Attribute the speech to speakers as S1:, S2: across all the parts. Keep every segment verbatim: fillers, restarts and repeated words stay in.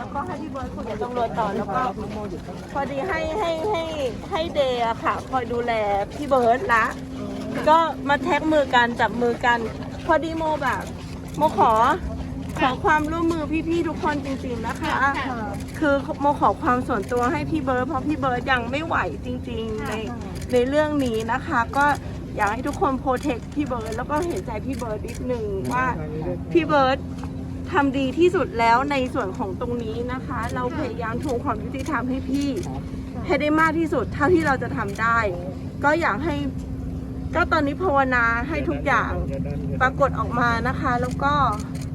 S1: แล้วก็ให้พี่เบิร์ดคุยกับตำรวจต่อแล้วก็พอดีให้ให้ให้ให้เดย์อะค่ะคอยดูแลพี่เบิร์ดละก็มาแท็กมือกันจับมือกันพอดีโมแบบโมขอขอความร่วมมือพี่ๆทุกคนจริงๆนะคะคือโมขอความส่วนตัวให้พี่เบิร์ดเพราะพี่เบิร์ดยังไม่ไหวจริงๆในในเรื่องนี้นะคะก็อยากให้ทุกคนโปรเทคพี่เบิร์ดแล้วก็เห็นใจพี่เบิร์ดนิดนึงว่าพี่เบิร์ดทำดีที่สุดแล้วในส่วนของตรงนี้นะคะ เราพยายามทวงความยุติธรรมให้พี่ให้ได้มากที่สุดเท่าที่เราจะทำได้ก็อยากให้ก็ตอนนี้ภาวนาให้ทุกอย่างปรากฏออกมานะคะ แล้วก็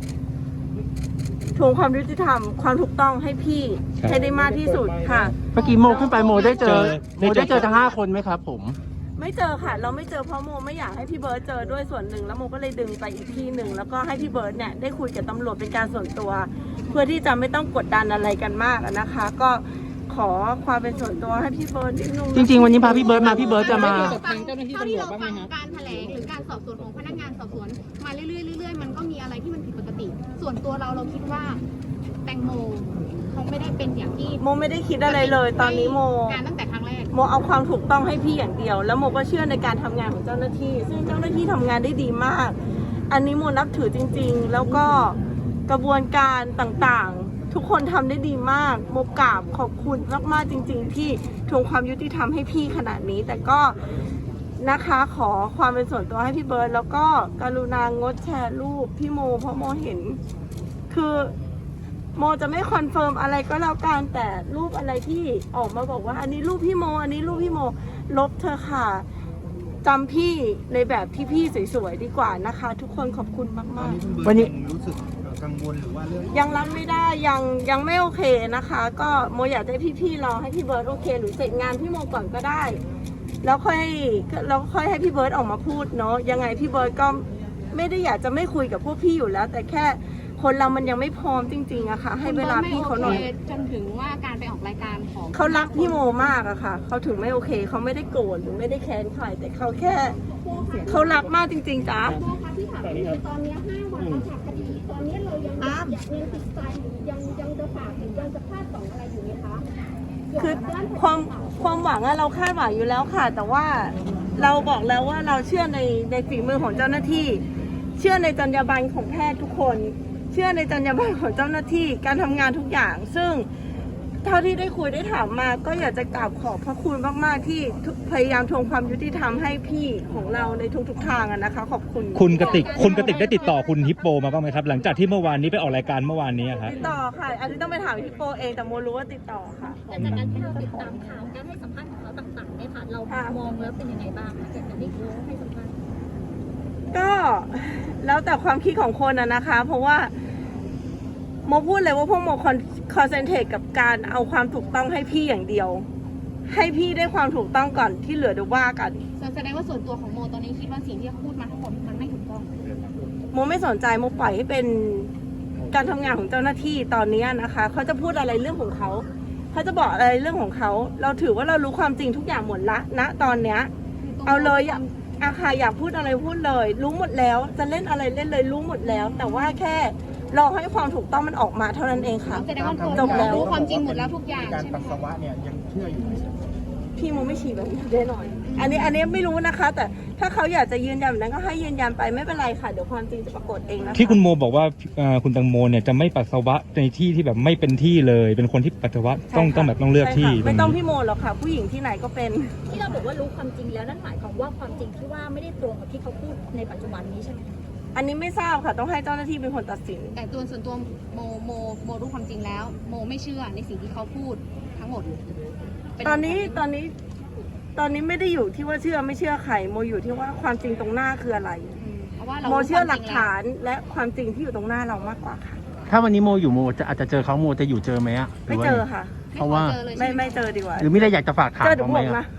S1: ทวงความยุติธรรมความถูกต้องให้พี่ให้ได้มากที่สุดค่ะ
S2: เมื่อกี้โมขึ้นไปโมได้เจอโมได้เจอทั้งห้าคนไหมครับผม
S1: ไม่เจอค่ะเราไม่เจอเพราะโมไม่อยากให้พี่เบิร์ดเจอด้วยส่วนหนึ่งแล้วโมก็เลยดึงไปอีกที่หนึ่งแล้วก็ให้พี่เบิร์ดเนี่ยได้คุยกับตำรวจเป็นการส่วนตัว เพื่อที่จะไม่ต้องกดดันอะไรกันมากนะคะ ก็ขอความเป็นส่วนตัวให้พี่เบิร์ดนิดนึง
S2: จริงๆวันนี้พาพี่เบิร์ดมาพี่เบิร์ดจะมา
S3: ทางเจ้าหน้าที่ตำรวจบ้างไหมครับการแถลงหรือการสอบสวนของพนักงานสอบสวนมาเรื่อยๆเรื่อยๆมันก็มีอะไรที่มันผิดปกติ ส่วนตัวเราเราคิดว่าแตงโมคงไม่ได้เป็นอย่างที่
S1: โมไม่ได้คิดอะไรเลยตอนนี้โม
S3: การตั้งแต่ครั้งแรก
S1: โมเอาความถูกต้องให้พี่อย่างเดียวแล้วโมก็เชื่อในการทำงานของเจ้าหน้าที่ซึ่งเจ้าหน้าที่ทำงานได้ดีมากอันนี้โมนับถือจริงๆแล้วก็กระบวนการต่างๆทุกคนทำได้ดีมากโมกราบขอบคุณมากๆจริงๆที่ทวงความยุติธรรมให้พี่ขนาดนี้แต่ก็นะคะขอความเป็นส่วนตัวให้พี่เบิร์ดแล้วก็กรุณางดแชร์รูปพี่โมเพราะโมเห็นคือโมจะไม่คอนเฟิร์มอะไรก็แล้วกันแต่รูปอะไรที่ออกมาบอกว่าอันนี้รูปพี่โมอันนี้รูปพี่โมลบเธอค่ะจำพี่ในแบบที่พี่สวยๆดีกว่านะคะทุกคนขอบคุณมากๆ
S4: วันนี้รู้สึกกังวลหรือว่าเรื่อง
S1: ยังรับไม่ได้ยังยังไม่โอเคนะคะก็โมอยากให้พี่ๆรอให้พี่เบิร์ดโอเคหรือเสร็จงานพี่โมก่อนก็ได้แล้วค่อยแล้วค่อยให้พี่เบิร์ดออกมาพูดเนาะยังไงพี่เบิร์ดก็ไม่ได้อยากจะไม่คุยกับพวกพี่อยู่แล้วแต่แค่คนเรามันยังไม่พร้อมจริงๆอะค่ะให้เวลาพี่เขาหน่อย
S3: จนถึงว่าการไปออกรายการของ
S1: เขารักพี่โมมากอะค่ะเขาถึงไม่โอเคเขาไม่ได้โกรธหรือไม่ได้แค้นใครแต่เขาแค่เขารักมากจริงๆจ้ะ
S5: ที่ถามคือตอนนี้ห้าวันแล้วค่ะคดีตอนนี้เรายังอยากยังติดใจยังยังจะฝากหรือยังจะคาดหวังอะไรอยู่ไหมคะ
S1: คือความความหวังอะเราคาดหวังอยู่แล้วค่ะแต่ว่าเราบอกแล้วว่าเราเชื่อในในฝีมือของเจ้าหน้าที่เชื่อในจรรยาบรรณของแพทย์ทุกคนเชื่อในจรรยาบรรณของเจ้าหน้าที่การทำงานทุกอย่างซึ่งเท่าที่ได้คุยได้ถามมาก็อยากจะกราบขอบพระคุณมากๆที่พยายามทวงความยุติธรรมให้พี่ของเราในทุกๆทางนะคะขอบคุณ
S6: คุณกติกคุณกติกได้ติดต่อคุณฮิปโปมาบ้างไหมครับหลังจากที่เมื่อวานนี้ไปออกรายการเมื่อวานนี้ครับ
S1: ติดต่อค่ะอันนี้ต้องไปถามฮิปโปเองแต่โมรู้ว่าติดต่อค่ะ
S5: แต่จากการที่เราติดตามข่าวการให้สัมภาษณ์ของเขาต่างๆเนี่ยค่ะเรามองแล้วเป็นยังไงบ้างจากการที่เขาให้สัมภาษณ์
S1: ก็แล้วแต่ความคิดของคนอะนะคะเพราะว่าโมพูดเลยว่าพวกโมคอนเซนเทรตกับการเอาความถูกต้องให้พี่อย่างเดียวให้พี่ได้ความถูกต้องก่อนที่เหลือเดี๋ยวว่ากัน
S3: แสดงว่าส่วนตัวของโมตอนนี้คิดว่าสิ่งที่เขาพูดมาทั้งหมดมันไม่ถูกต้อง
S1: โมไม่สนใจโมปล่อยให้เป็นการทำงานของเจ้าหน้าที่ตอนนี้นะคะเขาจะพูดอะไรเรื่องของเขาเขาจะบอกอะไรเรื่องของเขาเราถือว่าเรารู้ความจริงทุกอย่างหมดละณตอนเนี้ยเอาเลยอาคาอยากพูดอะไรพูดเลยรู้หมดแล้วจะเล่นอะไรเล่นเลยรู้หมดแล้วแต่ว่าแค่รอให้ความถูกต้องมันออกมาเท่านั้นเองค่ะ
S3: แสดงว่าจบแล้วรู้ความจริงหมดแล้วทุกอย่าง
S4: การปัสสาวะเนี่ยยังเชื่ออยู่ไหม
S1: พี่โมไม่ฉี่แบบนี้แน่นอนอันนี้อันนี้ไม่รู้นะคะ แต่ถ้าเขาอยากจะยืนยันแบบนั้นก็ให้ยืนยันไปไม่เป็นไรค่ะเดี๋ยวความจริงจะปรากฏเองนะคะ
S6: ที่คุณโมบอกว่าคุณตังโมเนี่ยจะไม่ปัสสาวะในที่ที่แบบไม่เป็นที่เลยเป็นคนที่ปัสสาวะต้องต้องแบบต้องเลือกที่
S1: ไม่ต้องพี่โมหรอกค่ะผู้หญิงที่ไหนก็เป็น
S5: ที่เราบอกว่ารู้ความจริงแล้วนั่นหมายความว่าความจริงที่ว่าไม่ได้ตรงกับที่เขาพูดในปัจจุบันนี้ใช่ไหม
S1: อันนี้ไม่ทราบค่ะต้องให้เจ้าหน้าที่เป็นคนตัดสิน
S3: แต่ตัวส่วนตัวโมโมโมรู้ความจริงแล้วโมไม่เชื่อในสิ่งที่เขาพูดทั้งหมด
S1: ตอนนี้ตอนนี้ตอนนี้ไม่ได้อยู่ที่ว่าเชื่อไม่เชื่อใครโมอยู่ที่ว่าความจริงตรงหน้าคืออะไรโมเชื่อหลักฐานและความจริงที่อยู่ตรงหน้าเรามากกว่าค่ะ
S2: ถ้าวันนี้โมอยู่โมจะอาจจะเจอเขาโมจะอยู่เจอไหมอ่ะ
S1: ไม่เจอค่ะ
S2: เพราะว่า
S1: ไม่ไม่เจอดีกว่า
S2: หรือไม่ได้อยากจะฝากถามเขาไหม
S1: นะ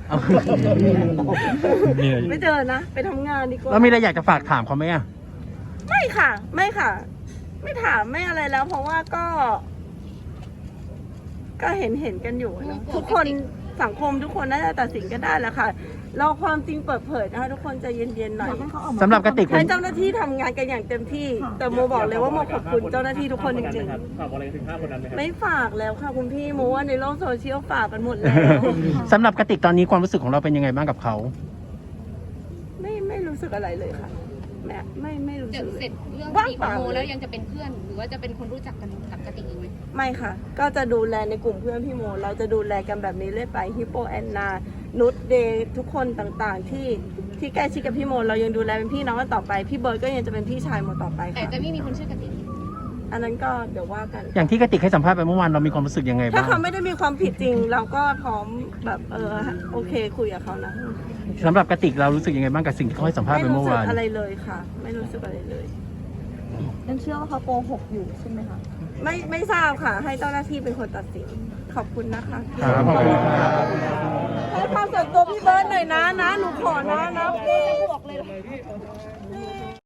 S1: ไม่เจอนะไปทำงานดีกว่า
S2: แล้วไม่ได้อยากจะฝากถามเขาไหมอ่ะ
S1: ไม่ค่ะไม่ค่ะไม่ถามไม่อะไรแล้วเพราะว่าก็ก็เห็นเห็นกันอยู่นะทุกคนสังคมทุกคนน่าจะตัดสินกันได้แล้วค่ะเราความจริงเปิดเผยนะคะทุกคนใจเย็นๆหน่อย
S2: สำหรับกระติก
S1: ให้เจ้าหน้าที่ทำงานกันอย่างเต็มที่ แต่โมบอกเลยว่าโมขอบคุณเจ้าหน้าที่ทุกคนจริงๆ
S7: ฝากอะไรถึงห้าคนนั้นไหมครับ
S1: ไม่ฝากแล้วค่ะคุณพี่โมว่าในโลกโซเชียลฝากกันหมดแล้ว
S2: สำหรับกระติกตอนนี้ความรู้สึกของเราเป็นยังไงบ้างกับเขา
S1: ไม่ไม่รู้สึกอะไรเลยค่ะแม่ไม่ไม่รู้
S3: เดี๋
S1: สึ
S3: ยว
S1: กเล
S3: เสร็
S1: ย
S3: จเรื่องค
S1: ว่าง
S3: ดีข
S1: เป
S3: อง
S1: ล่า
S3: โมแล้วยังจะเป็นเพื่อน หรือว่าจะเป็นคนรู้จักกันกับกติกอีกไหม
S1: ไม่ค่ะ ก็จะดูแลในกลุ่มเพื่อนพี่โม เราจะดูแลกันแบบนี้เรื่อยไปฮิปโปแอนนานุชเดย์ทุกคนต่างๆ ที่ที่ใกล้ชิดกับพี่โม เรายังดูแลเป็นพี่น้องกันต่อไปพี่เบิร์ดก็ยังจะเป็นพี่ชายโมต่อไป
S3: แต่
S1: ค่ะ
S3: จะไม่มีคนชื่อกติก
S1: อันนั้นก็เดี๋ยวว่ากัน
S2: อย่างที่กระติกให้สัมภาษณ์ไปเมื่อวานเรามีความรู้สึกยังไง
S1: ถ้า
S2: บ้าง
S1: เขาไม่ได้มีความผิดจริง เราก็พร้อมแบบเออโอเคคุยกับเขานะ
S2: สำหรับกระติกเรารู้สึกยังไงบ้างกับสิ่งที่เขาให้สัมภาษณ์
S1: ไม่
S2: ไป
S1: รู้
S2: เมื่อ
S1: สึก
S2: วาน
S1: อะไรเลยค่ะ ไม่รู้สึกอะไรเลย
S8: ยังเชื่อว่าเขาโกหกอยู่ใช่ไหมคะ
S1: ไม่ไม่ทราบค่ะ ให้เจ้าหน้าที่เป็นคนตัดสิน ขอบคุณนะคะ
S2: ครับขอบคุณครับ
S1: ให้ความส่วนตัวพี่เบิร์ดหน่อยนะนะ หนูขอนะนะพี่